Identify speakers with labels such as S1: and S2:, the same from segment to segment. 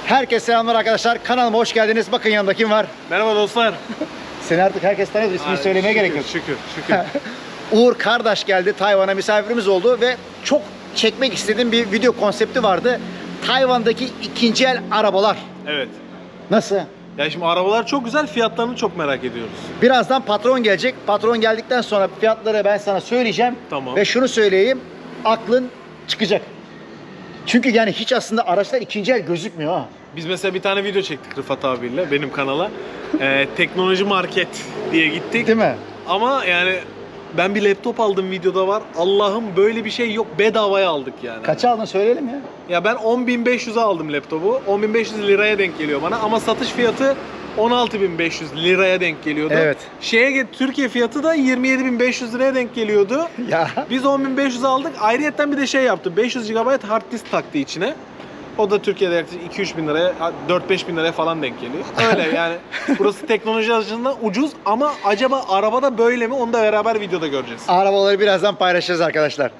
S1: Herkese selamlar arkadaşlar. Kanalıma hoş geldiniz. Bakın yanımda kim var?
S2: Merhaba dostlar.
S1: Seni artık herkes tanıyor. İsmini söylemeye gerek yok.
S2: Şükür.
S1: Uğur kardeş geldi. Tayvan'a misafirimiz oldu ve çok çekmek istediğim bir video konsepti vardı. Tayvan'daki ikinci el arabalar.
S2: Evet.
S1: Nasıl?
S2: Ya şimdi arabalar çok güzel, fiyatlarını çok merak ediyoruz.
S1: Birazdan patron gelecek. Patron geldikten sonra fiyatları ben sana söyleyeceğim.
S2: Tamam.
S1: Ve şunu söyleyeyim. Aklın çıkacak. Çünkü yani hiç aslında araçlar ikinci el gözükmüyor ha.
S2: Biz mesela bir tane video çektik Rıfat abiyle benim kanala. Teknoloji market diye gittik.
S1: Değil mi?
S2: Ama yani ben bir laptop aldım, videoda var. Allah'ım böyle bir şey yok, bedavaya aldık yani.
S1: Kaça aldın söyleyelim ya.
S2: Ya ben 10.500'e aldım laptopu. 10.500 liraya denk geliyor bana ama satış fiyatı 16.500 liraya denk geliyordu.
S1: Evet.
S2: Türkiye fiyatı da 27.500 liraya denk geliyordu.
S1: Ya.
S2: Biz 10.500 aldık. Ayrıyetten bir de şey yaptı. 500 GB hard disk taktı içine. O da Türkiye'de yaklaşık 2-3 bin liraya, 4-5 bin liraya falan denk geliyor. Öyle yani. Burası teknoloji açısından ucuz ama acaba arabada böyle mi? Onu da beraber videoda göreceğiz.
S1: Arabaları birazdan paylaşacağız arkadaşlar.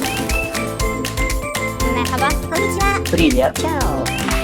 S3: Merhaba. Konnichiwa. Привет. Ciao.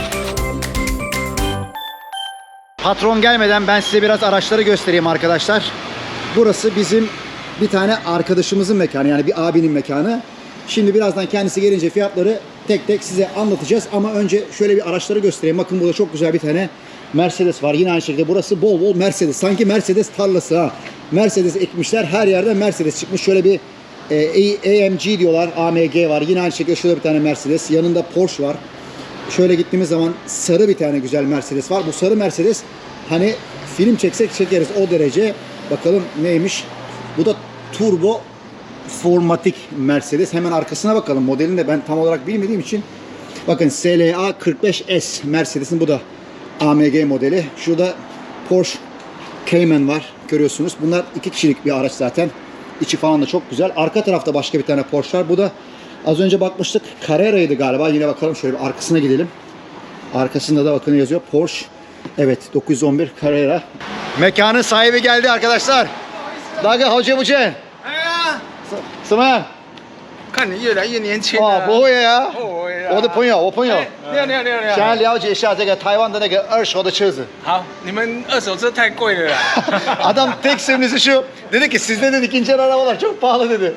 S1: Patron gelmeden ben size biraz araçları göstereyim arkadaşlar. Burası bizim bir tane arkadaşımızın mekanı, yani bir abinin mekanı. Şimdi birazdan kendisi gelince fiyatları tek tek size anlatacağız ama önce şöyle bir araçları göstereyim. Bakın burada çok güzel bir tane Mercedes var. Yine aynı şekilde burası bol bol Mercedes. Sanki Mercedes tarlası ha. Mercedes ekmişler. Her yerde Mercedes çıkmış. Şöyle bir AMG diyorlar. AMG var. Yine aynı şekilde şurada bir tane Mercedes. Yanında Porsche var. Şöyle gittiğimiz zaman sarı bir tane güzel Mercedes var. Bu sarı Mercedes hani film çeksek çekeriz o derece. Bakalım neymiş. Bu da turbo formatik Mercedes. Hemen arkasına bakalım. Modelini de ben tam olarak bilmediğim için. Bakın SLA 45S Mercedes'in, bu da AMG modeli. Şurada Porsche Cayman var. Görüyorsunuz. Bunlar 2 kişilik bir araç zaten. İçi falan da çok güzel. Arka tarafta başka bir tane Porsche var. Bu da az önce bakmıştık. Carrera'ydı galiba. Yine bakalım, şöyle bir arkasına gidelim. Arkasında da bakın yazıyor. Porsche. Evet, 911 Carrera. Mekanın sahibi geldi arkadaşlar. Daga hoca bu Chen. 什么样？
S4: 看你越来越年轻
S1: 哦，不会呀，
S4: 不会呀
S1: 我的朋友，我朋友，
S4: 你好，你好，你好，你好。
S1: 想要了解一下这个台湾的那个二手的车子。
S4: 好，你们二手车太贵了啦。
S1: Adam tek söylesi şu. Dedi ki sizde dedi ikinci el arabalar çok pahalı dedi.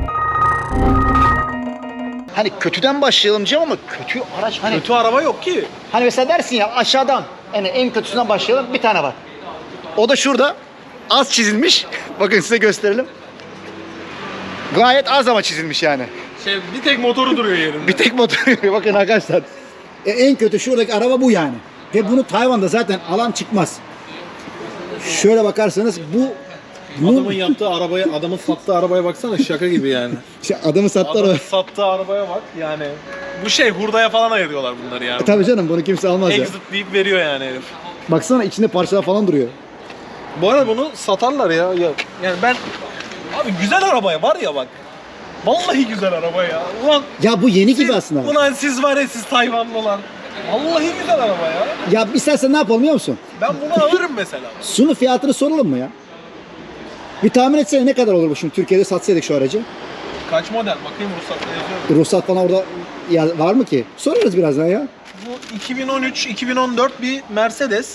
S1: Hani kötüden başlayalım diyeceğim ama kötü araç hani.
S2: Kötü araba yok ki.
S1: Hani mesela dersin ya aşağıdan, yani en kötüsünden başlayalım, bir tane var. O da şurada az çizilmiş. Bakın size gösterelim. Gayet az ama çizilmiş yani.
S2: Bir tek motoru duruyor yerinde.
S1: Bir tek motor. Bakın arkadaşlar. En kötü şuradaki araba bu yani. Ve bunu Tayvan'da zaten alan çıkmaz. Şöyle bakarsanız bu
S2: Adamın yaptığı arabaya, adamın sattığı arabaya baksana, şaka gibi yani.
S1: adamı sattı araba.
S2: Adamın sattığı arabaya bak yani. Bu hurdaya falan ayırıyorlar bunları yani.
S1: Tabii canım, bunu kimse almaz ya.
S2: Exit deyip veriyor yani herif.
S1: Baksana içinde parçalar falan duruyor.
S2: Bu arada bunu satarlar ya. Yani ben... Abi güzel arabaya var ya bak. Vallahi güzel araba ya. Ulan
S1: Ya bu yeni gibi aslında.
S2: Ulan siz var ya, siz Tayvanlılar. Vallahi güzel araba ya.
S1: Ya istersen ne yapalım biliyor musun?
S2: Ben bunu alırım mesela.
S1: Şunu fiyatını soralım mı ya? Bir tahmin etsene ne kadar olur bu şimdi Türkiye'de satsaydık şu aracı?
S2: Kaç model? Bakayım ruhsatta yazıyor.
S1: Ruhsat falan orada ya var mı ki? Sorarız birazdan ya.
S2: Bu 2013-2014 bir Mercedes.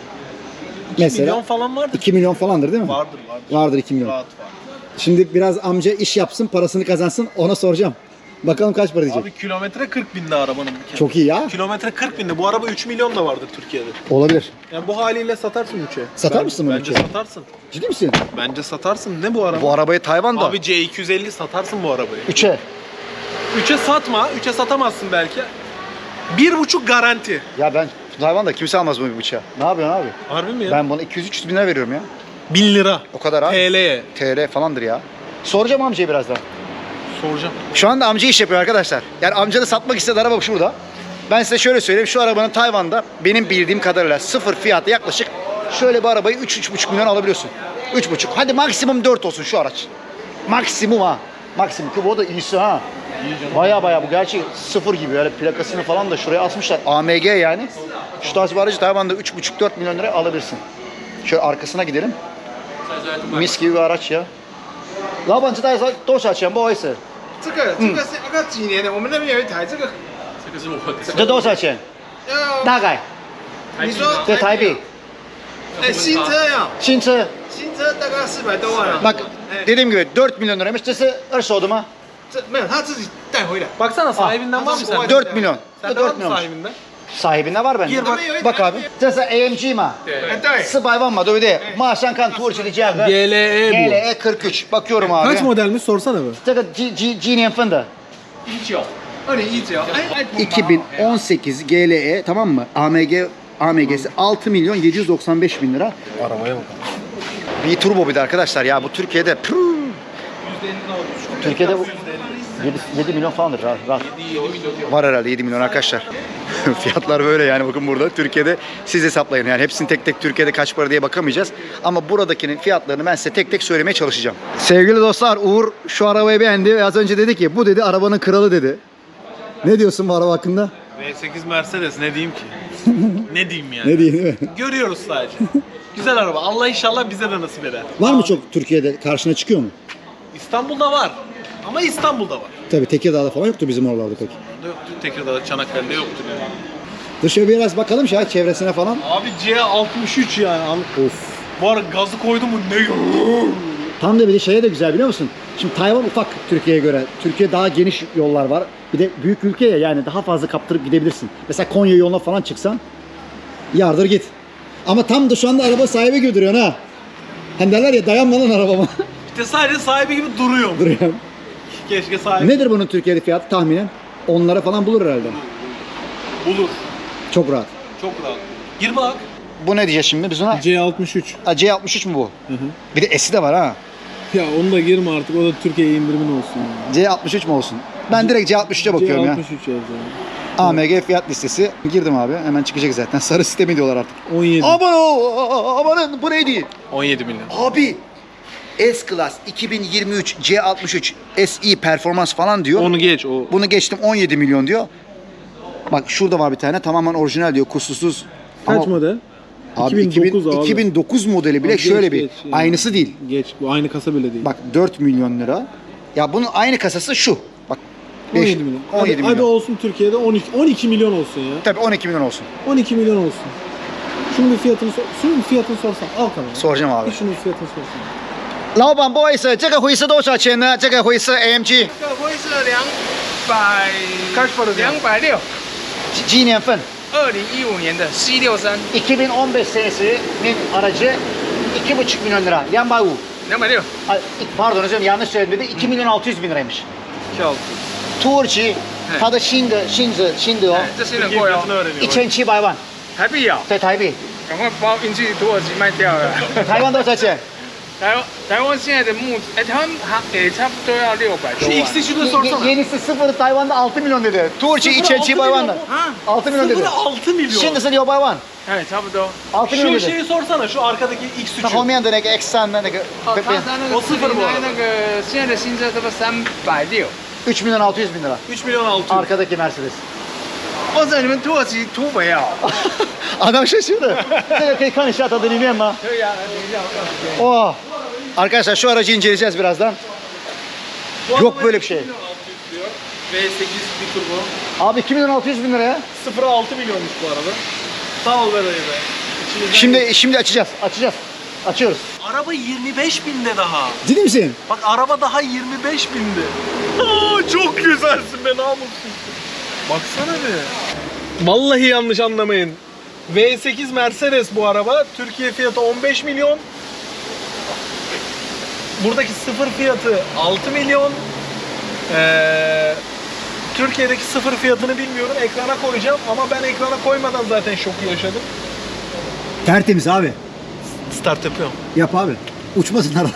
S2: 2
S1: Mesela
S2: milyon falan vardır.
S1: 2 milyon falandır değil mi?
S2: Vardır.
S1: Vardır 2 milyon.
S2: Rahat var.
S1: Şimdi biraz amca iş yapsın, parasını kazansın, ona soracağım. Bakalım kaç para diyecek.
S2: Abi kilometre 40 binde arabanın bir kere.
S1: Çok iyi ya.
S2: Kilometre 40 binde. Bu araba 3 milyon da vardır Türkiye'de.
S1: Olabilir.
S2: Yani bu haliyle satarsın 3'e.
S1: Satar mısın bunu
S2: Bence
S1: 3'e?
S2: satarsın.
S1: Ciddi misin?
S2: Bence satarsın. Ne bu araba?
S1: Bu arabayı Tayvan'da.
S2: Abi C250 satarsın bu arabayı.
S1: 3'e.
S2: 3'e satma. 3'e satamazsın belki. 1,5 garanti.
S1: Ya ben Tayvan'da kimse almaz bu bıçağı. Ne yapıyorsun abi?
S2: Harbi mi ya?
S1: Ben buna 200-300 bin lira veriyorum ya.
S2: 1000 lira.
S1: O kadar abi.
S2: TL'ye.
S1: TL falandır ya. Soracağım amcaya birazdan.
S2: Soracağım.
S1: Şu anda amca iş yapıyor arkadaşlar. Yani amca da satmak istedi, araba şurada. Ben size şöyle söyleyeyim. Şu arabanın Tayvan'da benim bildiğim kadarıyla sıfır fiyatı yaklaşık şöyle bir arabayı 3-3,5 milyon alabiliyorsun. 3,5. Hadi maksimum 4 olsun şu araç. Maksimum ha. Maksimum. Ki bu da iyisi ha. Baya bu gerçi sıfır gibi, öyle plakasını falan da şuraya asmışlar. AMG yani. Şu tarz bir aracı Tayvan'da 3,5-4 milyon liraya alabilirsin. Şöyle arkasına gidelim. Mis gibi bir araç ya. 老板知道多少钱？不好意思，
S4: 这个是要几年的？我们那边有一台，这个
S1: 这多少钱？ 大概
S4: 你说
S1: 在台北
S4: 哎，新车呀，
S1: 新车
S4: 新车大概400多万啊。
S1: bak dediğim gibi 4 milyon liraymış. Cısı arsa mu?
S4: 这没有，他自己带回来。
S2: Baksana sahibinden var mı sende?
S1: 4 milyon.
S2: Sende var
S1: 4
S2: mı
S1: milyon.
S2: sahibinden?
S1: Sahibinde var bende.
S2: Gir bak.
S1: Bak abi. 这是 AMG 嘛？
S4: 哎，对，
S1: 是百万嘛，对不对？马上看土耳其的价格。
S2: GLE bu.
S1: GLE 43. Bakıyorum abi.
S2: Kaç modelmiş sorsana be.
S1: 这个几年份的？
S4: 19，2019，哎，
S1: 2018 GLE tamam mı? AMG'si 6 milyon 795 bin lira.
S2: Arabaya bak.
S1: Bir turbo bir de arkadaşlar ya bu Türkiye'de Türkiye'de bu 7 milyon falandır rahat. Var herhalde 7 milyon arkadaşlar. Fiyatlar böyle yani bakın burada Türkiye'de siz hesaplayın yani hepsini tek tek Türkiye'de kaç para diye bakamayacağız. Ama buradakinin fiyatlarını ben size tek tek söylemeye çalışacağım. Sevgili dostlar Uğur şu arabayı beğendi ve az önce dedi ki bu dedi arabanın kralı dedi. Ne diyorsun bu araba hakkında?
S2: V8 Mercedes ne diyeyim ki? Ne diyeyim yani?
S1: Ne diyeyim değil mi?
S2: Görüyoruz sadece. Güzel araba. Allah inşallah bize de nasip eder.
S1: Var mı çok Türkiye'de karşına çıkıyor mu?
S2: İstanbul'da var. Ama İstanbul'da var.
S1: Tabii Tekirdağ'da falan yoktu bizim oralarda pek.
S2: Yoktu. Tekirdağ'da, Çanakkale'de yoktur yani.
S1: Dışarı biraz bakalım ya çevresine falan.
S2: Abi C63 yani.
S1: Of.
S2: Bu arada gazı koydu mu ne?
S1: Tam da bir de şeye de güzel biliyor musun? Şimdi Tayvan ufak Türkiye'ye göre. Türkiye daha geniş yollar var. Bir de büyük ülke ya yani daha fazla kaptırıp gidebilirsin. Mesela Konya yoluna falan çıksan yardır git. Ama tam da şu anda araba sahibi gibi duruyorsun ha. Hani derler ya dayanma lan arabama.
S2: İşte sadece sahibi gibi duruyor.
S1: Duruyor.
S2: Keşke sahibi
S1: Nedir bunun Türkiye'de fiyatı tahminen? Onlara falan bulur herhalde.
S2: bulur.
S1: Çok rahat.
S2: Çok rahat. 20 lak.
S1: Bu ne diyeceğiz şimdi biz ona?
S5: C63.
S1: C63 mu bu?
S5: Hı hı.
S1: Bir de S'i de var ha.
S5: Ya onu da girme artık. O da Türkiye'ye indirimin olsun. Yani.
S1: C63 mu olsun? Ben direkt C63'e bakıyorum ya.
S5: C63 yazıyor.
S1: AMG fiyat listesi. Girdim abi. Hemen çıkacak zaten. Sarı sistemi diyorlar artık.
S5: 17.
S1: Amanın bu neydi?
S2: 17 milyon.
S1: Abi S-Class 2023 C63 SE performans falan diyor.
S2: Onu geç. O
S1: Bunu geçtim 17 milyon diyor. Bak şurada var bir tane tamamen orijinal diyor kusursuz.
S5: Kaç
S1: Ama
S5: model?
S1: abi
S5: 2009 abi.
S1: 2009 modeli bile
S5: Abi geç,
S1: şöyle bir
S5: geç yani.
S1: aynısı değil.
S5: Geç. Bu aynı kasa bile değil.
S1: Bak 4 milyon lira. Ya bunun aynı kasası şu. Bak
S5: 17 milyon.
S1: 17
S5: hadi,
S1: milyon.
S5: hadi olsun Türkiye'de 12 milyon olsun ya.
S1: Tabii 12 milyon olsun.
S5: 12 milyon olsun. Şunun bir fiyatını sorsan al kamerayı.
S1: Soracağım abi.
S5: Bir şunun fiyatını sorsan.
S1: 老板，不好意思，这个灰是多少钱呢？这个灰是 AMG，
S4: 这会是200，
S2: kaç para diyor?
S4: 260，
S1: 几年份
S4: 2015年的 C63，
S1: ？2015 senesinin aracı 2,5 milyon lira. 250.
S4: 260，
S1: Ay, pardon özür dilerim yanlış söyledim dedi. 2 milyon 600 bin liraymış.
S2: 2.6.
S1: 土耳其它的新的哦
S4: 哎，这新的贵哦，
S1: ，1700万
S4: 台币哦，
S1: 在台币，
S4: 赶快包运去土耳其卖掉了。
S1: 台湾多少钱？
S4: 台湾现在的哎，他们也差不多要600多
S2: Şu
S4: 万。
S2: X3'ü sorsana.
S1: Yenisi sıfırı Tayvan'da 6 milyon dedi. Turçi 1700 万的
S4: 啊，
S1: 6 milyon dedi.
S2: 6 milyon.
S1: Şimdi 600万
S4: 哎，差不多。
S1: 6 milyon
S2: Şu
S1: dedi.
S2: şeyi sorsana şu arkadaki
S1: 它后
S2: X3'ü.
S1: 面的那个 X3 的那个
S4: 哦，他那个
S2: 我4分不
S4: 那个现在的新车差不多360。
S1: 3 milyon 600 bin lira.
S2: 3 milyon 600.
S1: Arkadaki Mercedes.
S4: 哇塞，你们土耳其土匪啊！
S1: Adam şaşırdı. 这个可以看一下它的里面吗？
S4: 可以啊，等一下我告诉你。
S1: Oh. Arkadaşlar şu aracı inceleyeceğiz birazdan. Yok böyle bir şey.
S2: V8 bir turbo.
S1: Abi 2 milyon 600 bin liraya.
S2: 0.6 milyonmuş bu araba. Sağ ol be dayı be.
S1: Şimdi açacağız. Açıyoruz.
S2: Araba 25 binde daha.
S1: Ciddi misin?
S2: Bak araba daha 25 binde. Aa, çok güzelsin be namussuz. Baksana be. Vallahi yanlış anlamayın. V8 Mercedes bu araba. Türkiye fiyatı 15 milyon. Buradaki sıfır fiyatı 6 milyon. Türkiye'deki sıfır fiyatını bilmiyorum. Ekrana koyacağım ama ben ekrana koymadan zaten şoku yaşadım.
S1: Tertemiz abi.
S2: Start yapıyorum.
S1: Yap abi. Uçmasın araba.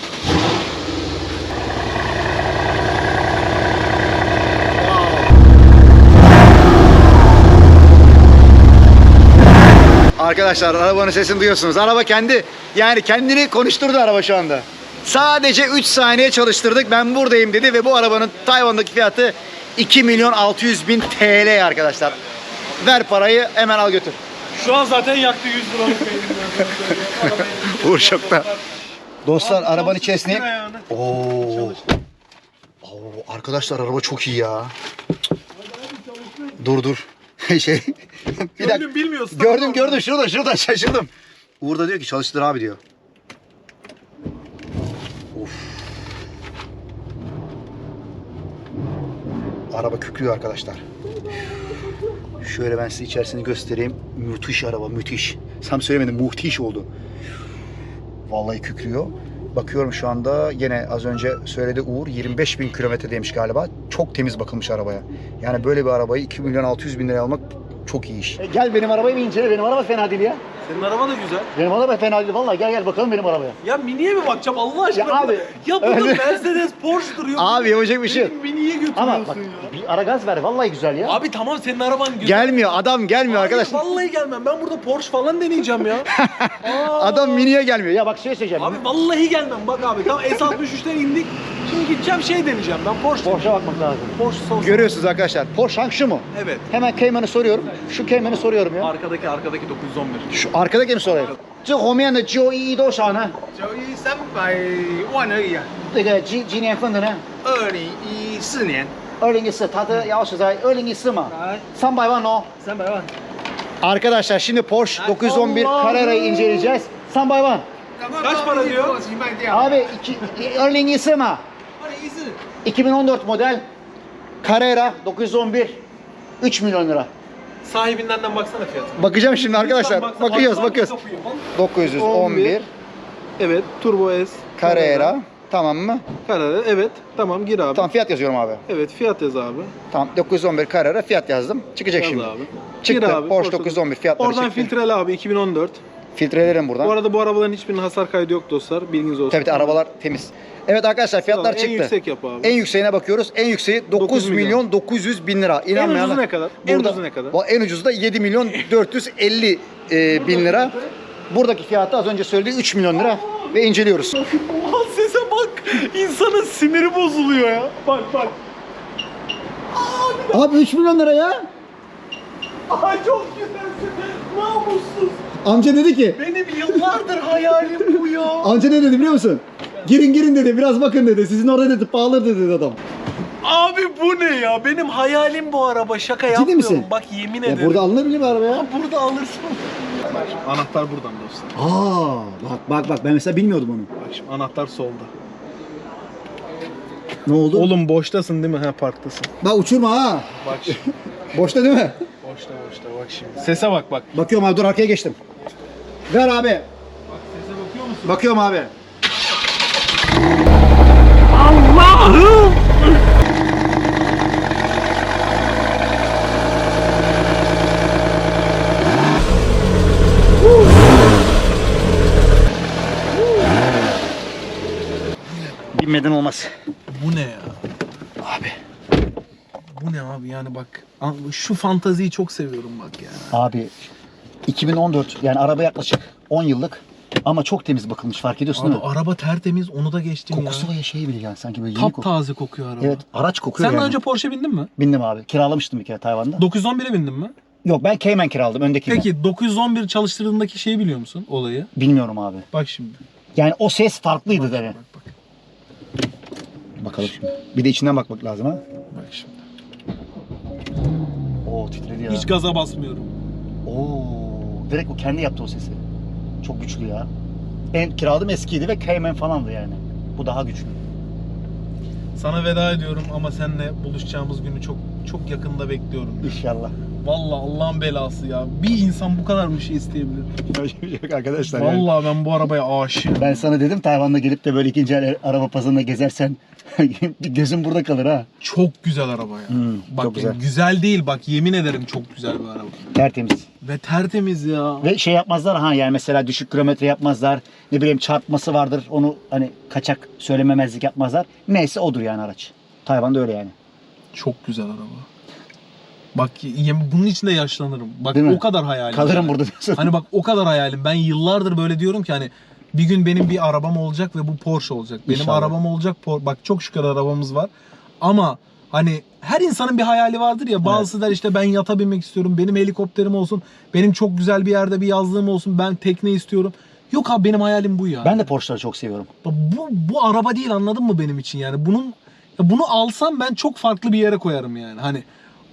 S1: Arkadaşlar arabanın sesini duyuyorsunuz. Araba kendini konuşturdu araba şu anda. Sadece 3 saniye çalıştırdık. Ben buradayım dedi ve bu arabanın Tayvan'daki fiyatı 2 milyon 600 bin TL arkadaşlar. Ver parayı hemen al götür.
S2: Şu an zaten yaktı 100 liralık beynim.
S1: Uğur şokta. Dostlar arabanın içerisine... Arkadaşlar araba çok iyi ya. Dur. şey. Bir dakika.
S2: Bilmiyorsun.
S1: Gördüm şurada şaşırdım. Uğur da diyor ki çalıştır abi diyor. Of. Araba kükrüyor arkadaşlar. Şöyle ben size içerisini göstereyim. Müthiş araba, müthiş. Sam söylemedim, muhtiş oldu. Vallahi kükrüyor. Bakıyorum şu anda yine az önce söyledi Uğur 25.000 kilometredeymiş galiba. Çok temiz bakılmış arabaya. Yani böyle bir arabayı 2.600.000 liraya almak çok iyi iş. Gel benim arabayı bir incele. Benim araba fena değil ya.
S2: Senin araba da güzel.
S1: Benim araba fena değil. Vallahi gel bakalım benim arabaya.
S2: Ya Mini'ye mi bakacağım Allah aşkına?
S1: Ya abi,
S2: Ya burada
S1: öyle-
S2: Mercedes, Porsche duruyor.
S1: Abi yapacak bir şey yok.
S2: Benim Mini'ye götürüyorsun
S1: Ama bak
S2: ya.
S1: bir ara gaz ver. Vallahi güzel ya.
S2: Abi tamam senin araban güzel.
S1: Gelmiyor. Adam gelmiyor
S2: Hayır,
S1: arkadaşlar.
S2: vallahi gelmem. Ben burada Porsche falan deneyeceğim ya.
S1: Adam miniye gelmiyor. Ya bak şey söyleyeceğim.
S2: Abi vallahi gelmem. Bak abi tamam S63'ten indik. Şimdi gideceğim şey deneyeceğim ben Porsche.
S1: Porsche'a bakmak lazım.
S2: Porsche son.
S1: Görüyorsunuz arkadaşlar. Porsche hangi şu mu?
S2: Evet.
S1: Hemen Cayman'ı soruyorum. Şu Cayman'ı soruyorum ya.
S2: Arkadaki 911.
S1: Şu arkadaki mi sorayım? 这后面的911多少呢？
S4: 91300万而已啊。
S1: 这个几年份的呢
S4: 2014年，
S1: ？2014，它的钥匙在2014嘛，300万哦。
S4: 300万。
S1: Arkadaşlar şimdi Porsche 911 Carrera'yı inceleyeceğiz. 300万。
S2: Kaç para diyor?
S4: 过期卖掉。
S1: Abi 2014 嘛
S4: 2014。
S1: 2014 model Carrera 911 3 milyon lira.
S2: Sahibinden baksana fiyatına.
S1: Bakacağım şimdi arkadaşlar.
S2: Lütfen
S1: Bakıyoruz.
S2: baksana.
S1: 911
S2: Evet, Turbo S.
S1: Carrera. Tamam mı?
S2: Carrera. Evet. Tamam gir abi.
S1: Tamam fiyat yazıyorum abi.
S2: Evet fiyat yaz abi.
S1: Tamam 911 Carrera fiyat yazdım. Çıkacak
S2: Yaz
S1: şimdi.
S2: abi.
S1: Çıktı.
S2: Gir abi,
S1: Porsche
S2: ortada.
S1: 911 fiyatları
S2: Oradan
S1: çıktı.
S2: filtreli abi 2014.
S1: Filtrelerim buradan.
S2: Bu arada bu arabaların hiçbirinin hasar kaydı yok dostlar. Bilginiz olsun.
S1: Tabii arabalar temiz. Evet arkadaşlar fiyatlar
S2: En
S1: çıktı.
S2: yüksek yap abi.
S1: En yükseğine bakıyoruz. En yükseği 9
S2: 9
S1: milyon 900 bin lira. İnanmayanlar.
S2: ucuzu ne kadar? En ucuzu ne kadar?
S1: En ucuzu da 7 milyon 450 bin lira. Buradaki fiyatı az önce söylediği 3 milyon lira ve inceliyoruz.
S2: Oha sese bak. İnsanın siniri bozuluyor ya. Bak.
S1: Abi 3 milyon lira ya.
S2: Ay çok güzelsin. Namussuz.
S1: Amca dedi ki,
S2: Benim yıllardır hayalim bu ya.
S1: amca ne dedi biliyor musun? Girin dedi, biraz bakın dedi. Sizin orada dedi, pahalı dedi adam.
S2: Abi bu ne ya? Benim hayalim bu araba. Şaka yapmıyorum.
S1: misin?
S2: Bak yemin
S1: Ya
S2: ederim.
S1: burada alınabilir mi araba ya?
S2: Burada alırsın. Bak şimdi, anahtar buradan dostlar.
S1: Bak ben mesela bilmiyordum onu.
S2: Bak şimdi anahtar solda.
S1: Ne oldu?
S2: Oğlum boştasın değil mi? Ha parktasın.
S1: Bak uçurma ha.
S2: Bak şimdi.
S1: Boşta değil mi?
S2: boşta bak şimdi. Sese bak.
S1: Bakıyorum abi, dur arkaya geçtim. Ver abi.
S2: Bak sese bakıyor musun?
S1: Bakıyorum abi.
S2: Allah'ım!
S1: Binmeden olmaz.
S2: Bu ne ya?
S1: Abi.
S2: Bu ne abi yani bak. Şu fantaziyi çok seviyorum bak ya.
S1: Abi 2014 yani araba yaklaşık 10 yıllık ama çok temiz bakılmış, fark ediyorsun
S2: Abi
S1: değil mi?
S2: araba tertemiz onu da geçtim
S1: Kokusu
S2: ya.
S1: ve şey bile yani sanki böyle yeni kokuyor.
S2: Taptaze kokuyor araba.
S1: Evet, araç kokuyor
S2: Sen daha
S1: yani.
S2: önce Porsche bindin mi?
S1: Bindim abi. Kiralamıştım bir kere Tayvan'da.
S2: 911'e bindin mi?
S1: Yok, ben Cayman kiraladım öndekini.
S2: Peki 911 çalıştırdığındaki şeyi biliyor musun olayı?
S1: Bilmiyorum abi.
S2: Bak şimdi.
S1: Yani o ses farklıydı dedi.
S2: Bak.
S1: Bakalım şimdi. Bir de içinden bakmak lazım ha.
S2: Bak şimdi.
S1: Oo, titredi ya.
S2: Hiç gaza basmıyorum.
S1: Oo, direkt o kendi yaptı o sesi. Çok güçlü ya. En kiraladığım eskiydi ve Cayman falandı yani. Bu daha güçlü.
S2: Sana veda ediyorum ama seninle buluşacağımız günü çok yakında bekliyorum.
S1: İnşallah.
S2: Vallahi Allah'ın belası ya. Bir insan bu kadar bir şey isteyebilir.
S1: Yok arkadaşlar. Yani.
S2: Vallahi ben bu arabaya aşığım.
S1: Ben sana dedim Tayvan'da gelip de böyle ikinci el araba pazarında gezersen gözün burada kalır ha.
S2: Çok güzel araba ya. Bak
S1: çok güzel.
S2: güzel değil bak yemin ederim çok güzel bir araba.
S1: Tertemiz.
S2: Ve tertemiz ya.
S1: Ve şey yapmazlar ha, yani mesela düşük kilometre yapmazlar. Ne bileyim çarpması vardır, onu hani kaçak söylememezlik yapmazlar. Neyse odur yani araç. Tayvan'da öyle yani.
S2: Çok güzel araba. Bak bunun için de yaşlanırım. Bak
S1: Değil mi?
S2: o kadar hayalim.
S1: Kalırım
S2: yani.
S1: burada diyorsun.
S2: Hani bak o kadar hayalim. Ben yıllardır böyle diyorum ki hani bir gün benim bir arabam olacak ve bu Porsche olacak. Benim
S1: İnşallah.
S2: arabam olacak. Bak çok şükür arabamız var. Ama hani her insanın bir hayali vardır ya. Bazısı der işte ben yata binmek istiyorum. Benim helikopterim olsun. Benim çok güzel bir yerde bir yazlığım olsun. Ben tekne istiyorum. Yok abi benim hayalim bu ya.
S1: Ben de Porsche'ları çok seviyorum.
S2: Bu araba değil anladın mı benim için yani. Bunu alsam ben çok farklı bir yere koyarım yani. Hani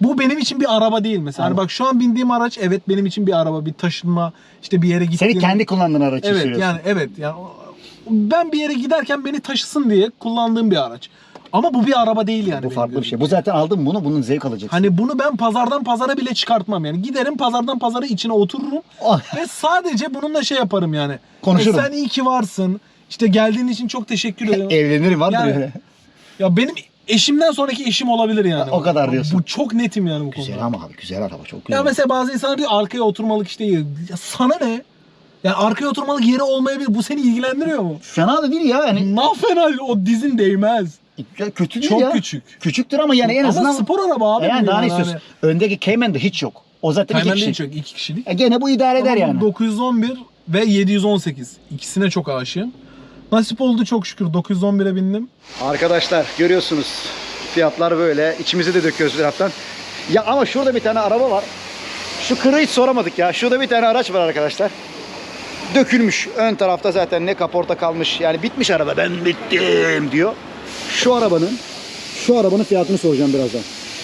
S5: Bu benim için bir araba değil mesela. Hani bak şu an bindiğim araç evet benim için bir araba, bir taşınma, işte bir yere gittiğim.
S1: Seni kendi kullandığın araç
S5: Evet
S1: sürüyorsun.
S5: yani evet yani ben bir yere giderken beni taşısın diye kullandığım bir araç. Ama bu bir araba değil yani.
S1: Bu
S5: benim
S1: farklı bir
S5: gözümde.
S1: şey. Bu zaten aldın bunu, bunun zevk alacaksın.
S5: Hani bunu ben pazardan pazara bile çıkartmam yani. Giderim pazardan pazara içine otururum
S1: Oh.
S5: ve sadece bununla şey yaparım yani.
S1: Konuşurum.
S5: Sen iyi ki varsın. İşte geldiğin için çok teşekkür ederim.
S1: Evlenirim vardır
S5: Yani-
S1: öyle.
S5: Ya benim eşimden sonraki eşim olabilir yani.
S1: O kadar diyorsun.
S5: Bu çok netim yani bu konuda.
S1: Güzel ama abi, güzel araba, çok güzel.
S5: Ya mesela bazı insanlar diyor arkaya oturmalık işte yeri. Ya sana ne? Yani arkaya oturmalık yeri olmayabilir. Bu seni ilgilendiriyor mu?
S1: Fena da değil ya yani.
S5: Ne fena o dizin değmez.
S1: Ya kötü değil
S5: Çok
S1: ya.
S5: küçük.
S1: Küçüktür ama yani en
S5: Ama
S1: azından.
S5: spor araba abi.
S1: Yani
S5: bu
S1: daha ne
S5: yani.
S1: istiyorsun? Öndeki Cayman'da hiç yok. O zaten iki
S5: Cayman
S1: kişi.
S5: değil çok 2 kişilik.
S1: Gene bu idare eder
S5: Ama
S1: yani.
S5: 911 ve 718. İkisine çok aşığım. Nasip oldu çok şükür. 911'e bindim.
S1: Arkadaşlar görüyorsunuz. Fiyatlar böyle. İçimizi de döküyoruz bir taraftan. Ya ama şurada bir tane araba var. Şu kırığı hiç soramadık ya. Şurada bir tane araç var arkadaşlar. Dökülmüş. Ön tarafta zaten ne kaporta kalmış. Yani bitmiş araba. Ben bittim diyor. Şu arabanın fiyatını soracağım birazdan.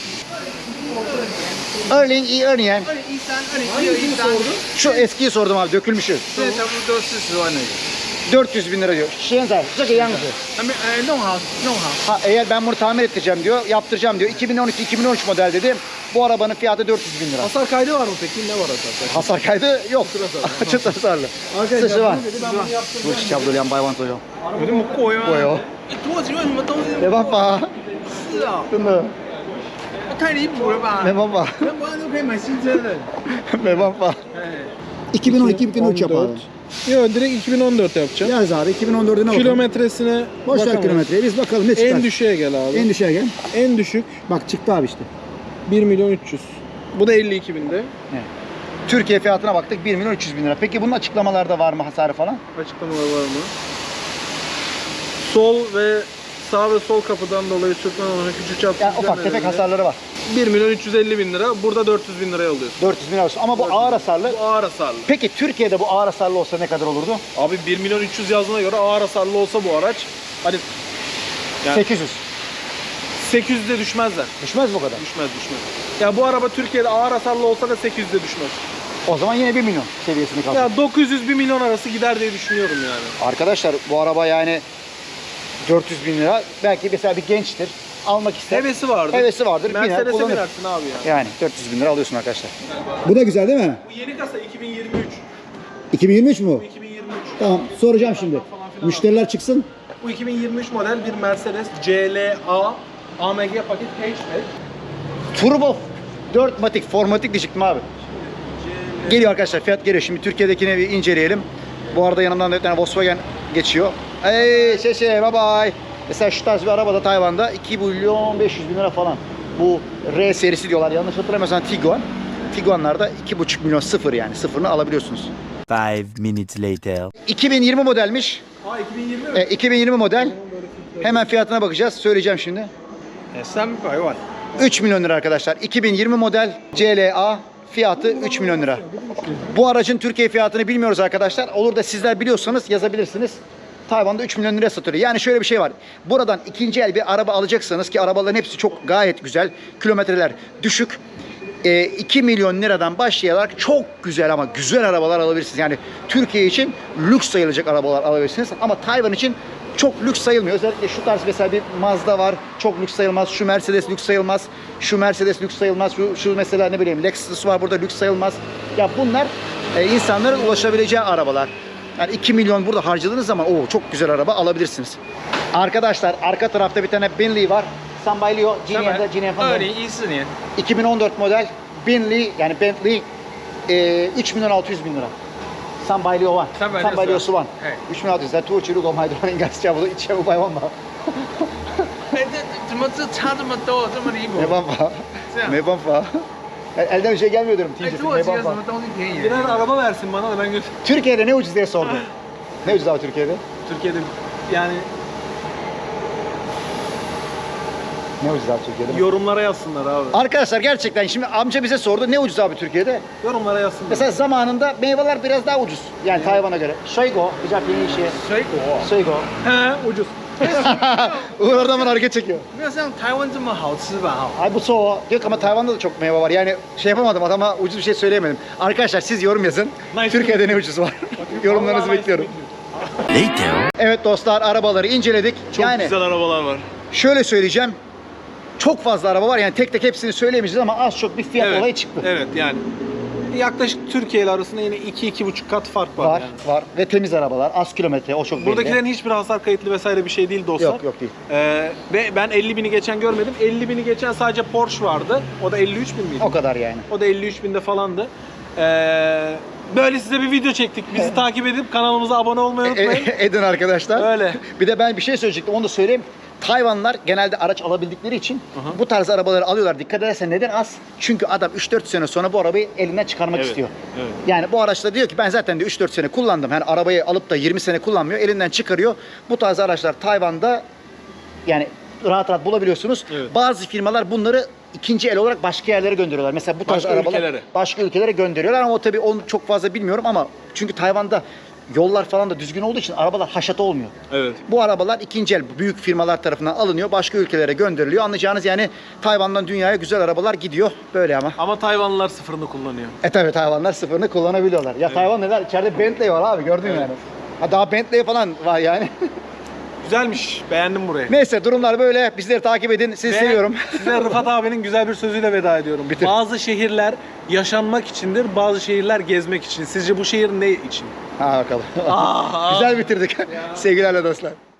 S1: Örneğin iyi örneğin.
S4: 2013、2012、2013，
S1: Şu eskiyi sordum abi, dökülmüşü.
S4: 现在差不多40万那个。
S1: 400 bin lira diyor. Şenzay,这个样子.
S4: 还没弄好，弄好。
S1: Ha, eğer ben bunu tamir ettireceğim diyor, yaptıracağım diyor. 2012-2013 model dedi. Bu arabanın fiyatı 400 bin lira.
S5: Hasar kaydı var mı peki? Ne var hasar kaydı?
S1: Hasar kaydı yok. Açık hasarlı. Sışı var.
S5: dedi, ben bunu yaptım.
S1: Bu çiçeği abdül yan bayvan toyo.
S4: 有这么贵吗？
S1: Koyo.
S4: 土耳其为什么东西？
S1: Ne baba?
S4: 是啊，
S1: Değil mi?
S4: 太离谱了吧？
S1: Ne baba?
S4: 全国人都可以买新车的。
S1: Ne baba?
S4: 哎，
S1: 2012-2013 yap abi.
S5: Yok direkt 2014 yapacağım.
S1: Yaz abi 2014'üne bakalım.
S5: Kilometresine
S1: Boş ver
S5: bakamayız.
S1: kilometreyi, biz bakalım ne çıkar.
S5: En düşüğe gel abi.
S1: En düşüğe gel.
S5: En düşük
S1: Bak çıktı abi işte.
S5: 1.300.000. Bu da 52 binde.
S1: Türkiye fiyatına baktık 1 milyon 300 bin lira. Peki bunun açıklamalarda var mı hasarı falan?
S5: Açıklamalar var mı? Sol ve sağ ve sol kapıdan dolayı sürtmen olan küçük çaplı
S1: Yani ufak tefek hasarları var.
S5: 1.350.000 lira. Burada 400.000 liraya alıyorsun.
S1: 400 bin lira olsun. Ama bu ağır hasarlı.
S5: Bu ağır hasarlı.
S1: Peki Türkiye'de bu ağır hasarlı olsa ne kadar olurdu?
S5: Abi 1.300.000 yazdığına göre ağır hasarlı olsa bu araç hani yani
S1: 800.
S5: 800'de düşmezler.
S1: Düşmez mi o kadar?
S5: Düşmez. Ya bu araba Türkiye'de ağır hasarlı olsa da 800'de düşmez.
S1: O zaman yine 1 milyon seviyesini kaldı.
S5: Ya 900-1 milyon arası gider diye düşünüyorum yani.
S1: Arkadaşlar bu araba yani 400 bin lira. Belki mesela bir gençtir. Almak ister.
S5: Hevesi vardır.
S1: Hevesi vardır. Biner,
S5: Mercedes'e
S1: kullanır.
S5: binersin abi ya.
S1: Yani 400 bin lira alıyorsun arkadaşlar. Bu da güzel değil mi?
S5: Bu yeni kasa 2023.
S1: 2023 mü bu?
S5: 2023.
S1: Tamam, soracağım şimdi. Müşteriler çıksın.
S5: Bu 2023 model bir Mercedes CLA AMG paket hatchback.
S1: Turbo 4 matik, formatik diyecektim abi. Geliyor arkadaşlar, fiyat geliyor. Şimdi Türkiye'dekini bir inceleyelim. Bu arada yanımdan da bir tane Volkswagen geçiyor. Hey bye bye. Mesela şu tarz bir araba da Tayvan'da 2 milyon 500 bin lira falan. Bu R serisi diyorlar. Yanlış hatırlamıyorsam Tiguan. Tiguan'larda 2,5 milyon sıfır yani. Sıfırını alabiliyorsunuz.
S6: 5 minutes later.
S1: 2020 modelmiş.
S5: Ha 2020 mi?
S1: 2020 model. Hemen fiyatına bakacağız. Söyleyeceğim şimdi.
S4: 300万。
S1: 3 milyon lira arkadaşlar. 2020 model CLA fiyatı 3 milyon lira. Bu aracın Türkiye fiyatını bilmiyoruz arkadaşlar. Olur da sizler biliyorsanız yazabilirsiniz. Tayvan'da 3 milyon liraya satılıyor. Yani şöyle bir şey var. Buradan ikinci el bir araba alacaksanız ki arabaların hepsi çok gayet güzel. Kilometreler düşük. 2 milyon liradan başlayarak çok güzel ama güzel arabalar alabilirsiniz. Yani Türkiye için lüks sayılacak arabalar alabilirsiniz. Ama Tayvan için çok lüks sayılmıyor. Özellikle şu tarz mesela bir Mazda var. Çok lüks sayılmaz. Şu Mercedes lüks sayılmaz. Şu Mercedes lüks sayılmaz. Şu mesela ne bileyim Lexus var burada lüks sayılmaz. Ya bunlar insanların ulaşabileceği arabalar. Yani 2 milyon burada harcadığınız zaman çok güzel araba alabilirsiniz. Arkadaşlar arka tarafta bir tane Bentley var. Sambaylio, Ginian'da
S4: 2014年，
S1: 2014 model Bentley yani Bentley 3 milyon 600 bin lira. Sambaylio var. Sambaylio Suvan. 3 milyon 600 lira. Tuğçu Lugo Maydron Engas Çabulu İçe Bu Bayvan var.
S4: 哎，这怎么这差这么多，这么离谱？
S1: Ne banfa? Ne banfa? Elden bir şey gelmiyor diyorum.
S4: 哎，
S1: Tincesi
S4: 土耳
S1: ne
S4: 其有什
S1: banfa?
S4: 么东西便宜？
S5: Birer araba versin bana da ben götür.
S1: Türkiye'de ne ucuz diye sordu. Ne ucuz abi Türkiye'de?
S5: Türkiye'de yani
S1: Ne ucuz abi Türkiye'de?
S5: yorumlara yazsınlar abi.
S1: Arkadaşlar gerçekten şimdi amca bize sordu ne ucuz abi Türkiye'de?
S5: Yorumlara yazsınlar.
S1: Mesela zamanında meyveler biraz daha ucuz. Yani Tayvan'a göre. Soygo, güzel bir şey.
S4: 水果。
S1: Soygo.
S5: He ucuz.
S1: Uğur oradan bana hareket çekiyor.
S4: 没有像台湾这么好吃吧？哈，
S1: Ay bu soğuk. Diyor ki ama Tayvan'da da çok meyve var. Yani şey yapamadım, adama ucuz bir şey söyleyemedim. Arkadaşlar siz yorum yazın.
S2: Nice.
S1: Türkiye'de ne ucuz var? Yorumlarınızı
S2: Vallahi
S1: bekliyorum.
S6: Later.
S1: Evet dostlar, arabaları inceledik.
S2: Çok
S1: yani
S2: güzel arabalar var.
S1: şöyle söyleyeceğim. Çok fazla araba var. Yani tek tek hepsini söyleyemeyeceğiz ama az çok bir fiyat
S2: Evet,
S1: olayı çıktı.
S2: evet yani yaklaşık Türkiye ile arasında yine 2-2,5 kat fark var,
S1: Var,
S2: yani.
S1: var. Ve temiz arabalar. Az kilometre. O çok belli.
S2: Buradakilerin hiçbir hasar kayıtlı vesaire bir şey değil dostlar.
S1: Yok, yok değil.
S2: Ve ben 50.000'i geçen görmedim. 50.000'i geçen sadece Porsche vardı. O da 53.000 miydi?
S1: O kadar yani.
S2: O da 53.000'de falandı. Böyle size bir video çektik. Bizi takip edip kanalımıza abone olmayı unutmayın.
S1: Edin arkadaşlar.
S2: Öyle.
S1: Bir de ben bir şey söyleyecektim. Onu da söyleyeyim. Tayvanlılar genelde araç alabildikleri için bu tarz arabaları alıyorlar. Dikkat edersen neden az? Çünkü adam 3-4 sene sonra bu arabayı elinden çıkarmak
S2: Evet,
S1: istiyor.
S2: evet.
S1: Yani bu araçta diyor ki ben zaten de 3-4 sene kullandım. Yani arabayı alıp da 20 sene kullanmıyor. Elinden çıkarıyor. Bu tarz araçlar Tayvan'da yani rahat rahat bulabiliyorsunuz.
S2: Evet.
S1: Bazı firmalar bunları ikinci el olarak başka yerlere gönderiyorlar. Mesela bu tarz
S2: Başka
S1: arabalar
S2: ülkelere.
S1: başka ülkelere gönderiyorlar ama o tabii onu çok fazla bilmiyorum ama çünkü Tayvan'da yollar falan da düzgün olduğu için arabalar haşat olmuyor.
S2: Evet.
S1: Bu arabalar ikinci el büyük firmalar tarafından alınıyor, başka ülkelere gönderiliyor. Anlayacağınız yani Tayvan'dan dünyaya güzel arabalar gidiyor. Böyle ama.
S2: Ama Tayvanlılar sıfırını kullanıyor.
S1: Tabii Tayvanlar sıfırını kullanabiliyorlar. Ya Tayvan neler? İçeride Bentley var abi, gördün mü yani. Ha daha Bentley falan var yani.
S2: Güzelmiş. Beğendim burayı.
S1: Neyse durumlar böyle. Bizleri takip edin. Sizi
S2: Ve
S1: seviyorum.
S2: Size Rıfat abinin güzel bir sözüyle veda ediyorum.
S1: Bitir.
S2: Bazı şehirler yaşanmak içindir, bazı şehirler gezmek için. Sizce bu şehir ne için?
S1: Ha bakalım. Güzel bitirdik. Sevgilerle dostlar.